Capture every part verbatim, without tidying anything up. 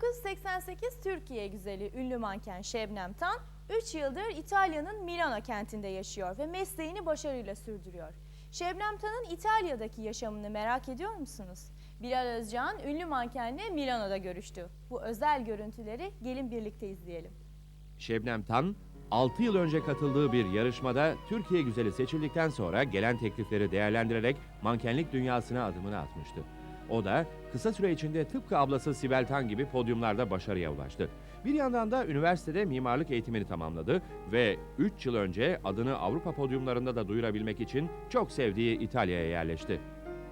dokuz yüz seksen sekiz Türkiye güzeli ünlü manken Şebnem Tan, üç yıldır İtalya'nın Milano kentinde yaşıyor ve mesleğini başarıyla sürdürüyor. Şebnem Tan'ın İtalya'daki yaşamını merak ediyor musunuz? Bilal Özcan ünlü mankenle Milano'da görüştü. Bu özel görüntüleri gelin birlikte izleyelim. Şebnem Tan, altı yıl önce katıldığı bir yarışmada Türkiye güzeli seçildikten sonra gelen teklifleri değerlendirerek mankenlik dünyasına adımını atmıştı. O da kısa süre içinde tıpkı ablası Sibel Tan gibi podyumlarda başarıya ulaştı. Bir yandan da üniversitede mimarlık eğitimini tamamladı ve üç yıl önce adını Avrupa podyumlarında da duyurabilmek için çok sevdiği İtalya'ya yerleşti.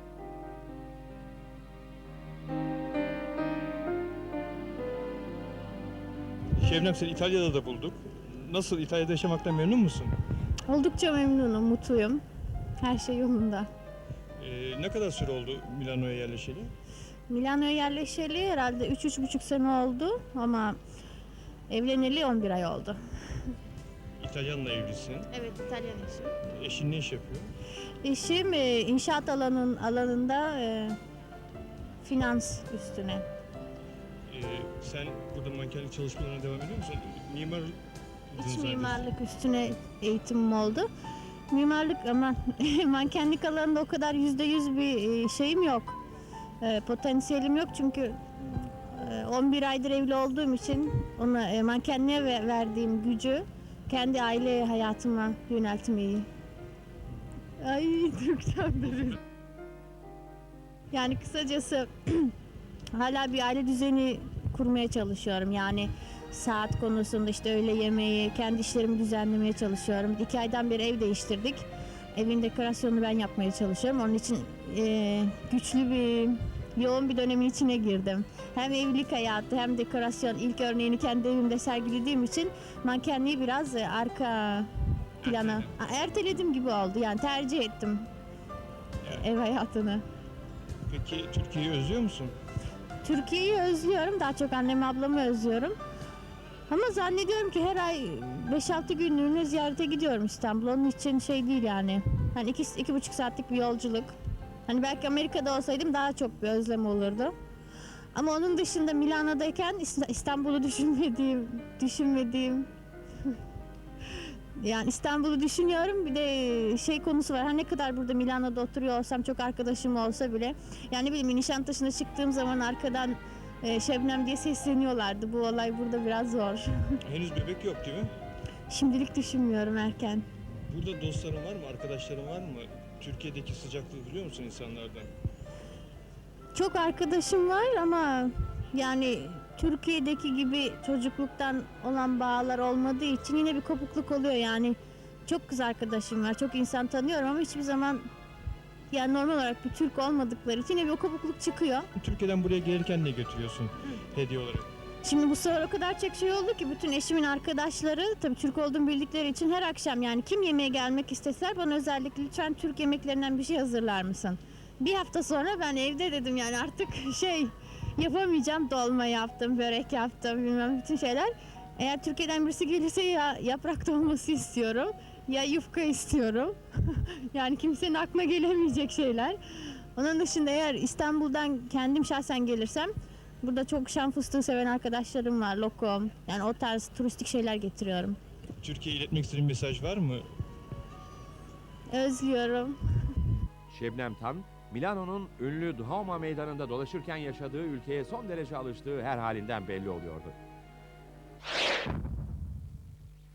Şebnem, seni İtalya'da da bulduk. Nasıl, İtalya'da yaşamaktan memnun musun? Oldukça memnunum, mutluyum. Her şey yolunda. Ee, ne kadar süre oldu Milano'ya yerleşeli? Milano'ya yerleşeli herhalde üç üç buçuk sene oldu ama evleneli on bir ay oldu. İtalyanla evlisin. Evet, İtalyan eşim. Eşin ne iş yapıyor? Eşim e, inşaat alanın alanında e, finans üstüne. Ee, sen burada mankenlik çalışmalarına devam ediyor musun? Mimar İç mimarlık üstüne eğitimim oldu. Mimarlık ama mankenlik alanında o kadar yüzde yüz bir e, şeyim yok. E, potansiyelim yok çünkü e, on bir aydır evli olduğum için ona e, mankenliğe ve- verdiğim gücü kendi aile hayatıma yöneltmeyi. Ay Türkçem de. Yani kısacası hala bir aile düzeni kurmaya çalışıyorum. Yani saat konusunda işte öğle yemeği, kendi işlerimi düzenlemeye çalışıyorum. İki aydan beri ev değiştirdik. Evin dekorasyonunu ben yapmaya çalışıyorum. Onun için e, güçlü bir, yoğun bir dönemin içine girdim. Hem evlilik hayatı hem dekorasyon. İlk örneğini kendi evimde sergilediğim için mankenliği biraz e, arka plana erteledim gibi oldu. Yani tercih ettim ev hayatını. Peki Türkiye'yi özlüyor musun? Türkiye'yi özlüyorum. Daha çok annemi ablamı özlüyorum. Ama zannediyorum ki her ay beş altı günlüğüne ziyarete gidiyorum İstanbul'a. Onun için şey değil yani. Hani iki, iki buçuk saatlik bir yolculuk. Hani belki Amerika'da olsaydım daha çok bir özlem olurdu. Ama onun dışında Milano'dayken İst- İstanbul'u düşünmediğim, düşünmediğim yani İstanbul'u düşünüyorum. Bir de şey konusu var. Her ne kadar burada Milano'da oturuyor olsam, çok arkadaşım olsa bile, yani bileyim, Nişantaşı'na çıktığım zaman arkadan e, Şebnem diye sesleniyorlardı. Bu olay burada biraz zor. Henüz bebek yok değil mi? Şimdilik düşünmüyorum, erken. Burada dostların var mı, arkadaşların var mı? Türkiye'deki sıcaklığı biliyor musun insanlardan? Çok arkadaşım var ama yani Türkiye'deki gibi çocukluktan olan bağlar olmadığı için yine bir kopukluk oluyor yani. Çok kız arkadaşım var, çok insan tanıyorum ama hiçbir zaman yani normal olarak bir Türk olmadıkları için yine bir kopukluk çıkıyor. Türkiye'den buraya gelirken ne götürüyorsun hediye olarak? Şimdi bu sefer o kadar çok şey oldu ki bütün eşimin arkadaşları tabii Türk olduğumu bildikleri için her akşam, yani kim yemeğe gelmek isteseler bana özellikle lütfen Türk yemeklerinden bir şey hazırlar mısın? Bir hafta sonra ben evde dedim yani artık şey yapamayacağım, dolma yaptım, börek yaptım, bilmem bütün şeyler. Eğer Türkiye'den birisi gelirse ya yaprak dolması istiyorum ya yufka istiyorum. Yani kimsenin aklına gelemeyecek şeyler. Onun dışında eğer İstanbul'dan kendim şahsen gelirsem, burada çok şan fıstığı seven arkadaşlarım var, lokum. Yani o tarz turistik şeyler getiriyorum. Türkiye'ye iletmek istediğin mesaj var mı? Özlüyorum. Şebnem Tan, Milano'nun ünlü Duomo meydanında dolaşırken yaşadığı ülkeye son derece alıştığı her halinden belli oluyordu.